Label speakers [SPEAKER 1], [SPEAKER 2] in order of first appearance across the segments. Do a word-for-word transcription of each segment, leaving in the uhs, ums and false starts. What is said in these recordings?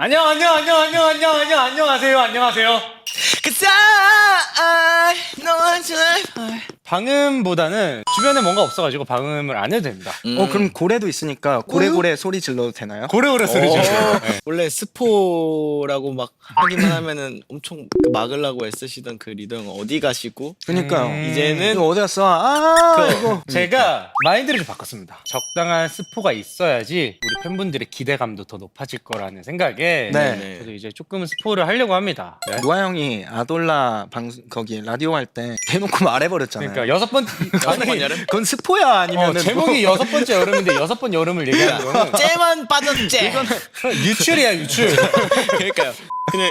[SPEAKER 1] 안녕 안녕 안녕 안녕 안녕 안녕 안녕하세요 안녕하세요.
[SPEAKER 2] Cause I know what I
[SPEAKER 1] 방음보다는 주변에 뭔가 없어가지고 방음을 안 해도 됩니다.
[SPEAKER 2] 음.
[SPEAKER 3] 어 그럼 고래도 있으니까 고래고래 소리 질러도 되나요?
[SPEAKER 1] 고래고래 소리 지르세요. 네.
[SPEAKER 2] 원래 스포라고 막 하기만 하면은 엄청 그 막으려고 애쓰시던 그 리더 형 어디 가시고
[SPEAKER 3] 그니까요.
[SPEAKER 1] 음.
[SPEAKER 2] 이제는
[SPEAKER 3] 이거 어디 갔어? 아
[SPEAKER 2] 그-
[SPEAKER 3] 이거
[SPEAKER 1] 제가 마인드를 좀 바꿨습니다. 적당한 스포가 있어야지 우리 팬분들의 기대감도 더 높아질 거라는 생각에
[SPEAKER 3] 네.
[SPEAKER 1] 저도 이제 조금은 스포를 하려고 합니다. 네.
[SPEAKER 3] 노아 형이 아돌라 방송 거기 라디오 할 때 대놓고 말해버렸잖아요.
[SPEAKER 1] 그러니까 여섯 번째
[SPEAKER 2] 여섯 번
[SPEAKER 1] 아니,
[SPEAKER 2] 여름
[SPEAKER 3] 그건 스포야
[SPEAKER 1] 어,
[SPEAKER 3] 아니면은
[SPEAKER 1] 제목이 여섯 번째 여름인데 여섯 번 여름을 얘기하는 거는
[SPEAKER 2] 쟤만 빠졌제.
[SPEAKER 1] 유출이야 유출.
[SPEAKER 2] 그러니까요. 그냥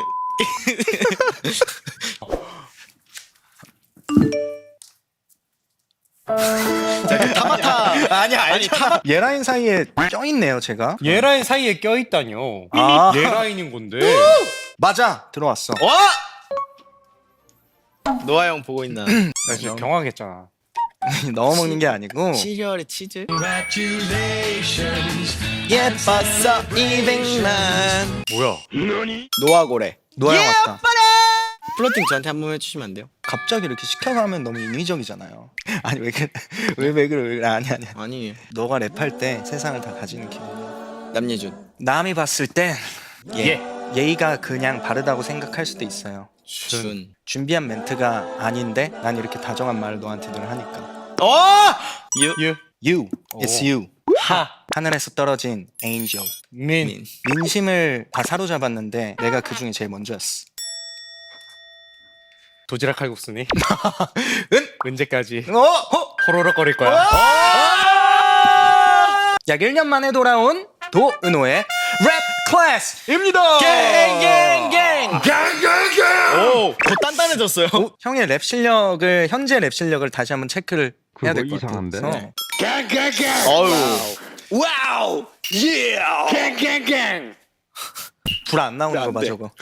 [SPEAKER 2] 자, 타마타
[SPEAKER 3] 아니야 알잖아. 얘라인 사이에 껴있네요 제가.
[SPEAKER 1] 얘라인 사이에 껴있다뇨.
[SPEAKER 3] 아.
[SPEAKER 1] 얘라인인 건데.
[SPEAKER 3] 맞아 들어왔어.
[SPEAKER 2] 와! 노아 형 보고 있나?
[SPEAKER 1] 나 진짜 경황했잖아.
[SPEAKER 3] 넣어 먹는 게 아니고
[SPEAKER 2] 시리얼에 치즈. 예뻤어 이백만.
[SPEAKER 1] 뭐야?
[SPEAKER 2] 노아 고래.
[SPEAKER 3] 노아 형 왔다.
[SPEAKER 2] 플로팅 저한테 한 번 해주시면 안 돼요?
[SPEAKER 3] 갑자기 이렇게 시켜가면 너무 인위적이잖아요. 아니 왜 그래 왜왜 그래 왜 그래 아니 아니.
[SPEAKER 2] 아니
[SPEAKER 3] 너가 랩할 때 세상을 다 가지는 기분.
[SPEAKER 2] 남예준.
[SPEAKER 3] 남이 봤을 땐
[SPEAKER 1] 예.
[SPEAKER 3] 예의가 그냥 바르다고 생각할 수도 있어요.
[SPEAKER 2] 준.
[SPEAKER 3] 준비한 멘트가 아닌데 난 이렇게 다정한 말을 너한테 늘 하니까.
[SPEAKER 2] 어! 유.
[SPEAKER 1] 유.
[SPEAKER 3] You, it's
[SPEAKER 1] 오.
[SPEAKER 3] you.
[SPEAKER 1] 하.
[SPEAKER 3] 하늘에서 떨어진 angel.
[SPEAKER 1] 민.
[SPEAKER 2] 민.
[SPEAKER 3] 민심을 다 사로잡았는데 내가 그 중에 제일 먼저였어.
[SPEAKER 1] 도지락 칼국수니?
[SPEAKER 3] 은?
[SPEAKER 1] 언제까지
[SPEAKER 3] 어? 어?
[SPEAKER 1] 호로록거릴 거야?
[SPEAKER 3] 약 일 년 만에 돌아온 도은호의 랩 클래스입니다.
[SPEAKER 2] 갱갱갱. 오, 더 단단해졌어요.
[SPEAKER 3] 어? 형의 랩 실력을 현재 랩 실력을 다시 한번 체크를 해야 될 것 같아요.
[SPEAKER 4] 이상한데?
[SPEAKER 3] 그래서
[SPEAKER 2] 어우. 와우. 예.
[SPEAKER 3] 불 안 나오는
[SPEAKER 2] 안
[SPEAKER 3] 거 봐
[SPEAKER 2] 돼.
[SPEAKER 3] 저거.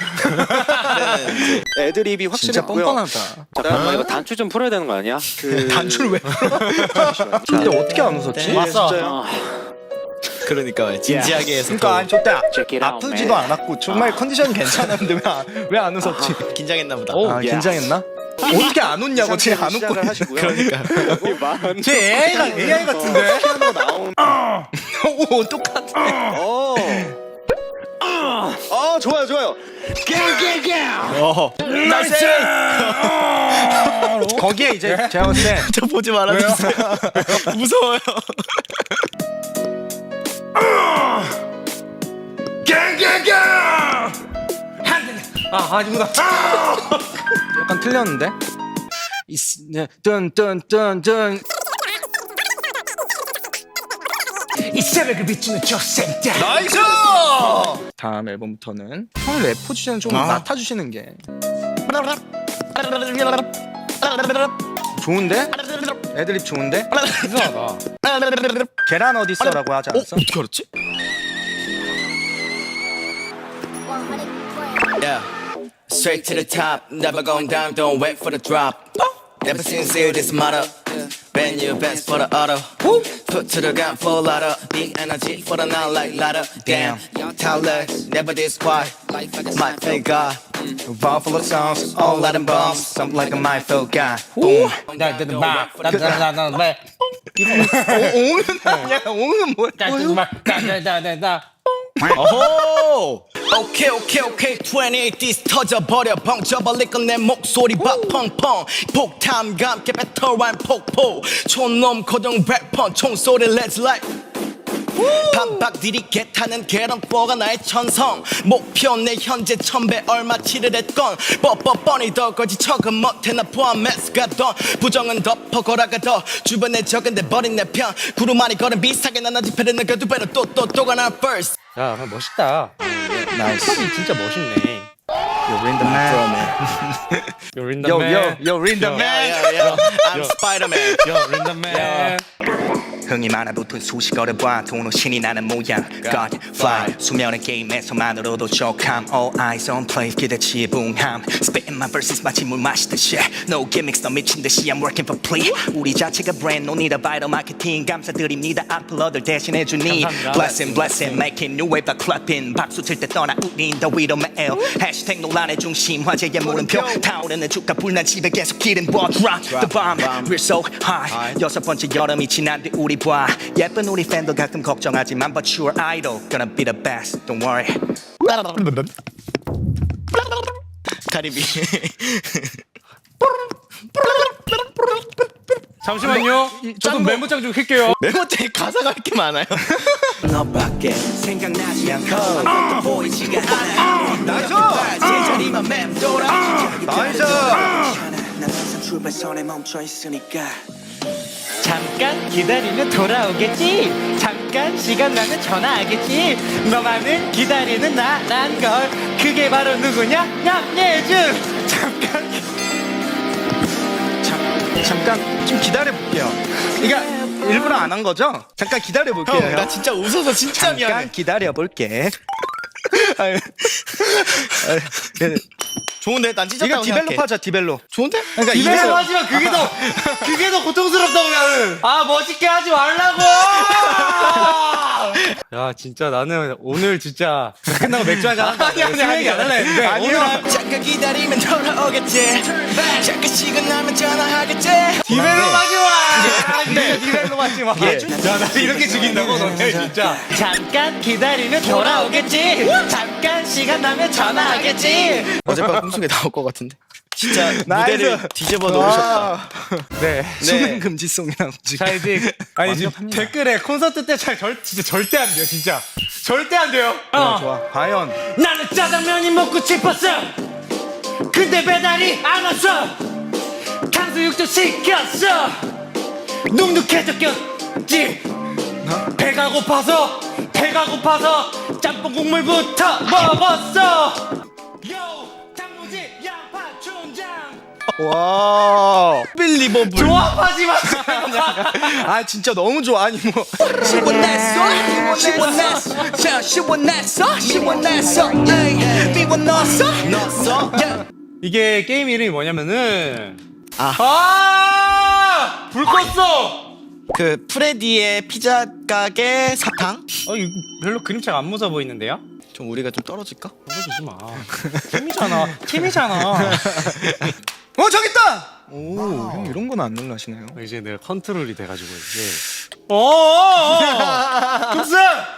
[SPEAKER 4] 애드립이 확실히
[SPEAKER 3] 진짜
[SPEAKER 4] 있고요.
[SPEAKER 3] 뻔뻔하다.
[SPEAKER 4] 잠깐만 이거 단추 좀 풀어야 되는 거 아니야? 그
[SPEAKER 3] 단추를 왜? 근데 어떻게 안 웃었지?
[SPEAKER 1] 왔어.
[SPEAKER 2] 그러니까 진지하게 해서
[SPEAKER 3] 그러니까 아니 저때
[SPEAKER 4] Check it out,
[SPEAKER 3] 아프지도
[SPEAKER 4] man.
[SPEAKER 3] 않았고 정말 컨디션이 괜찮았는데 왜 안 웃었지?
[SPEAKER 2] 긴장했나 보다.
[SPEAKER 1] 오.
[SPEAKER 3] 아
[SPEAKER 4] 야.
[SPEAKER 3] 긴장했나? 어떻게 안 웃냐고 쟤 안 웃고.
[SPEAKER 4] 시작을 하시고요.
[SPEAKER 2] 그러니까.
[SPEAKER 3] 쟤 에이아이가 에이아이 같은데?
[SPEAKER 4] 피아노 나온.
[SPEAKER 3] 오 똑같아.
[SPEAKER 4] 어. 어 좋아요 좋아요.
[SPEAKER 2] 어. 나이스.
[SPEAKER 3] 거기에 이제 제가 봤을 때
[SPEAKER 2] 저 보지 말아주세요. 무서워요.
[SPEAKER 1] 아 아니구나.
[SPEAKER 3] 약간 틀렸는데? 뜬뜬뜬뜬
[SPEAKER 1] 이 새벽을 비추는 저 새끼.
[SPEAKER 3] 나이스! 다음 앨범부터는 형 랩 포지션 좀
[SPEAKER 2] 아.
[SPEAKER 3] 맡아주시는 게 좋은데? 애드립 좋은데?
[SPEAKER 1] 이상하다.
[SPEAKER 3] 계란 어딨어라고 하지
[SPEAKER 2] 어?
[SPEAKER 3] 않았어?
[SPEAKER 2] 어떻게 알았지? Yeah. Straight to the top, never going down, don't wait for the drop. Never sincere, this matter. Bend your best for the auto. Put to the gun, full auto. The energy for the now like ladder. Damn, talentless, never this quiet. My thank God.
[SPEAKER 3] Ball full of songs, all Latin bombs. Something like a my felt guy. Boom.
[SPEAKER 1] 나나나나나 왜?
[SPEAKER 3] 옹은 아니야. 옹은 뭐야?
[SPEAKER 1] 나나나나나.
[SPEAKER 2] 오호! 오케이 오케이 오케이 이십팔 디스 터져버려 벙쳐버릴 건 내 목소리 박 펑펑 폭탄과 함께 배터란 폭포 촌놈 고정 래퍼 총소리 let's like 반박 디리게 타는 계란뽀가 나의 천성 목표 내 현재 천배 얼마치를 했건 뻔뻔뻔히 더 거지 척은 못해 나 포함해서 가던 부정은 덮어 걸어가더 주변에 적은데 버린 내 편 구루마리 걸은 비슷하게 나나 지폐를 느껴 두 배로 또 또 또가 나 first
[SPEAKER 1] 야 멋있다.
[SPEAKER 3] 나이스.
[SPEAKER 1] 이 진짜 멋있네.
[SPEAKER 3] You're in the man.
[SPEAKER 1] You're in the
[SPEAKER 3] Yo
[SPEAKER 1] man.
[SPEAKER 3] yo yo in the
[SPEAKER 1] Yo.
[SPEAKER 3] man.
[SPEAKER 2] yeah, yeah. I'm Spider-Man
[SPEAKER 1] You're in the man.
[SPEAKER 3] 흥이 많아 붙은 수식어를 봐 도는 신이 나는 모양 God fly 수면의 게임에서만으로도 족함 All eyes on play 기대치의 붕함 Spitting my verses 마치 물 마시듯이 No gimmicks 너 미친 듯이 I'm working for plea 우리 자체가 brand no need a vital marketing 감사드립니다 악플러들 대신해주니
[SPEAKER 1] 감사합니다.
[SPEAKER 3] Blessing blessing making new wave by clapping 박수 칠 때 떠나 우린 더 위로 매일 해시태그 논란의 중심 화제의 물음표 타오르는 주가 불난 집에 계속 기름 부어 Drop the bomb We're so high 여섯 번째 여름이 지난 뒤 우리 봐 예쁜 우리 팬도 가끔 걱정하지만 But you're idol Gonna be the best Don't worry
[SPEAKER 2] 가리비.
[SPEAKER 1] 잠시만요. 저도 메모장 좀 켤게요.
[SPEAKER 2] 메모장에 가사가 이렇게 많아요.
[SPEAKER 3] 너밖에 생각나지 않고 아무것도 보이지가 않아
[SPEAKER 4] 나이스!
[SPEAKER 3] 제자리만 맴돌아
[SPEAKER 4] 나이스!
[SPEAKER 3] 난 항상 출발선에 멈춰 있으니까
[SPEAKER 5] 잠깐 기다리면 돌아오겠지. 잠깐 시간 나면 전화하겠지. 너만을 기다리는 나란 걸. 그게 바로 누구냐? 양예준. 잠깐 기-
[SPEAKER 3] 잠, 잠깐 좀 기다려 볼게요 그러니까 일부러 안 한 거죠? 잠깐 기다려 볼게요
[SPEAKER 2] 형, 나 진짜 웃어서 진짜 미안해.
[SPEAKER 3] 잠깐 기다려 볼게 아유, 아유, 네.
[SPEAKER 2] 좋은데? 난 찢었다고
[SPEAKER 3] 이거 디벨롭
[SPEAKER 2] 생각해.
[SPEAKER 3] 하자 디벨롭
[SPEAKER 2] 좋은데?
[SPEAKER 3] 그러니까
[SPEAKER 1] 이래서
[SPEAKER 3] 이래서
[SPEAKER 1] 하지만 그게 더 그게 더 고통스럽다고 나는. 아 멋있게 하지 말라고. 야 진짜 나는 오늘 진짜 끝나고 맥주 한잔 한다. 아니 아니 아니 안 할래 했는데 오늘
[SPEAKER 2] 잠깐 기다리면 돌아오겠지. 잠깐 시간 나면 전화하겠지.
[SPEAKER 1] 디벨로 하지 마. 진짜 디벨로 하지 마. 야나 이렇게 죽인다고 너네 진짜.
[SPEAKER 5] 잠깐 기다리면 돌아오겠지. 잠깐 시간 나면 전화하겠지.
[SPEAKER 2] 어젯밤 꿈속에 나올 것 같은데. 진짜
[SPEAKER 3] 나이스.
[SPEAKER 2] 무대를 뒤집어 놓으셨다.
[SPEAKER 1] 네.
[SPEAKER 3] 수면 금지송이라고 지금
[SPEAKER 1] 자 이제 아니 지금 댓글에 콘서트 때 잘 절 진짜 절대 안 돼요 진짜 절대 안 돼요. 어.
[SPEAKER 3] 좋아 과연
[SPEAKER 5] 나는 짜장면이 먹고 싶었어. 근데 배달이 안 왔어. 탕수육도 시켰어. 눅눅해졌겠지. 배가 고파서 배가 고파서 짬뽕 국물부터 먹었어. 요 단무지 양파 춘장.
[SPEAKER 3] 와
[SPEAKER 2] 빌리버블.
[SPEAKER 1] 조합하지 마.
[SPEAKER 3] 아 진짜 너무 좋아 아니 뭐
[SPEAKER 2] 시원했어 시원했어 자 시원했어 시원했어 에이 미워넣었어 넣었어 야.
[SPEAKER 1] 이게 게임 이름이 뭐냐면은
[SPEAKER 2] 아.
[SPEAKER 1] 아! 불 껐어.
[SPEAKER 2] 그 프레디의 피자 가게 사탕.
[SPEAKER 1] 어 이거 별로 그림체가 안 무서워 보이는데요?
[SPEAKER 2] 좀 우리가 좀 떨어질까?
[SPEAKER 1] 떨어지지 마. 팀이잖아. 팀이잖아.
[SPEAKER 3] 어 저기 있다 오형 이런 건 안 놀라시네요
[SPEAKER 1] 이제 내가 컨트롤이 돼가지고 이제. 어. 급스.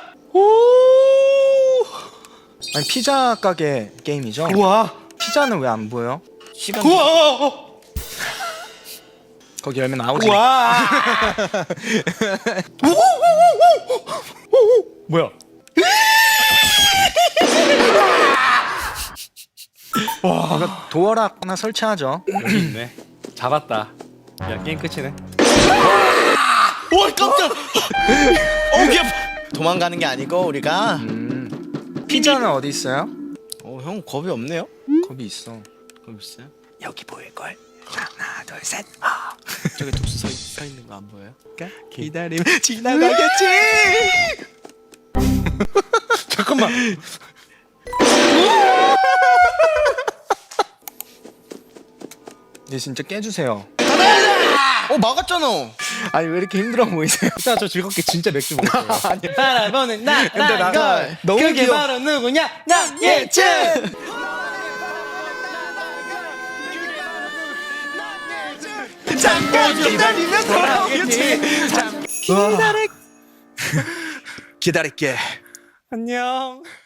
[SPEAKER 3] 아니 피자 가게 게임이죠?
[SPEAKER 1] 우와.
[SPEAKER 3] 피자는 왜 안 보여?
[SPEAKER 2] 시간.
[SPEAKER 1] 우와.
[SPEAKER 3] 거기 열면 나오지
[SPEAKER 1] 우와. 뭐야?
[SPEAKER 3] 이거 도어락 하나 설치하죠
[SPEAKER 1] 여기 있네. 잡았다. 야 게임 끝이네.
[SPEAKER 2] 오 깜짝. 어 그냥 도망가는 게 아니고 우리가.
[SPEAKER 3] 음. 피자는 어디 있어요?
[SPEAKER 2] 어형 겁이 없네요.
[SPEAKER 3] 거기 있어
[SPEAKER 2] 겁 있어요?
[SPEAKER 3] 여기 보일걸 하나 둘셋 아.
[SPEAKER 2] 저기 독수 서, 서 있는 거 안 보여요?
[SPEAKER 3] 기다리면 지나가겠지
[SPEAKER 1] 잠깐만.
[SPEAKER 3] 이제 진짜 깨주세요
[SPEAKER 2] 어 막았잖아.
[SPEAKER 3] 아니 왜 이렇게 힘들어 보이세요?
[SPEAKER 1] 이따 저 즐겁게 진짜 맥주 먹을게요.
[SPEAKER 5] 바라보는 나,
[SPEAKER 3] 근데
[SPEAKER 5] 나,
[SPEAKER 3] 나
[SPEAKER 5] 걸.
[SPEAKER 3] 너무
[SPEAKER 5] 그게
[SPEAKER 3] 귀여워.
[SPEAKER 5] 바로 누구냐? 양예준.
[SPEAKER 3] 잠깐 기다리면
[SPEAKER 5] 돌아오겠지.
[SPEAKER 3] 기다려 기다릴게
[SPEAKER 1] 안녕.